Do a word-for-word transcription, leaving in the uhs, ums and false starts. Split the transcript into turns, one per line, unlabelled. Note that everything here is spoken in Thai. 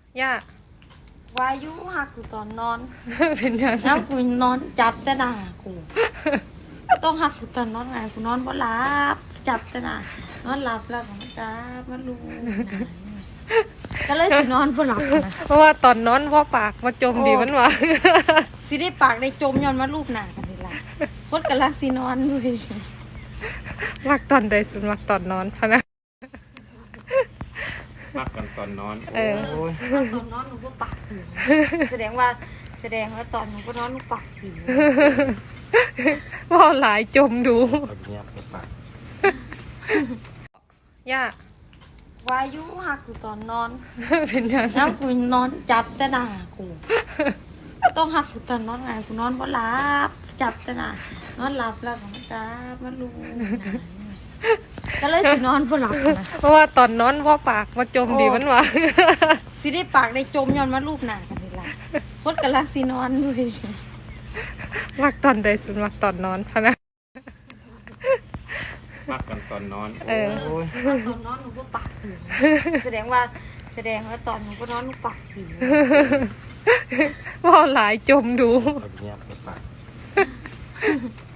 ย่าว
ายุหักกูตอนนอน
เป็นยังไง
แล้วกูนอนจับแต่หน้ากูต้องหักกูตอนนอนไงกูนอนบ่หลับจับแต่หน้านอนหลับแล้วก็จับมันรู้ก็เลยสินอนบ่หลับนะ
เพราะว่าตอนนอนพ่อปากมาจมดีมันวะ
สิได้ปากได้จมย้อนมาลูกหน้ากันนี่ล่ะคนกำลังสินอนด้วย
มักตอนใดสุดมักตอนนอนพะนะ
มากกันตอนนอน
เออ
โอ้ย
ตอนนอนหนูก็ปากถึงแสดงว่าแสดงว่าตอนหนูก็นอนหนูปากถึง
ว่าหลายจมดู
เอาเงียบไปปาก
ย่าว
ายุหักกูตอนนอน
เป็นยังไง
แล้วกูนอนจับแต่หน้ากูต้องหักกูตอนนอนไงกูนอนบ่หลับจับแต่หน้านอนหลับแล้วก็จับมันรู้ก็เลยสินอนบ่หลับนะ
เพราะว่าตอนนอนพ่อปากมาจมดีมันวะ
สิได้ปากได้จมย้อนมาลูกหน้ากันนี่ล่ะคนกำลังสินอนด้วย
มักตอนใดสุดมักตอนนอนพะนะ
มากกันตอนนอน
เออ
โอ้ย
ตอนนอนหนูก็ปากถึงแสดงว่าแสดงว่าตอนหนูก็นอนหนูปากถึง
ว่าหลายจมดู
เอาเงียบไปปาก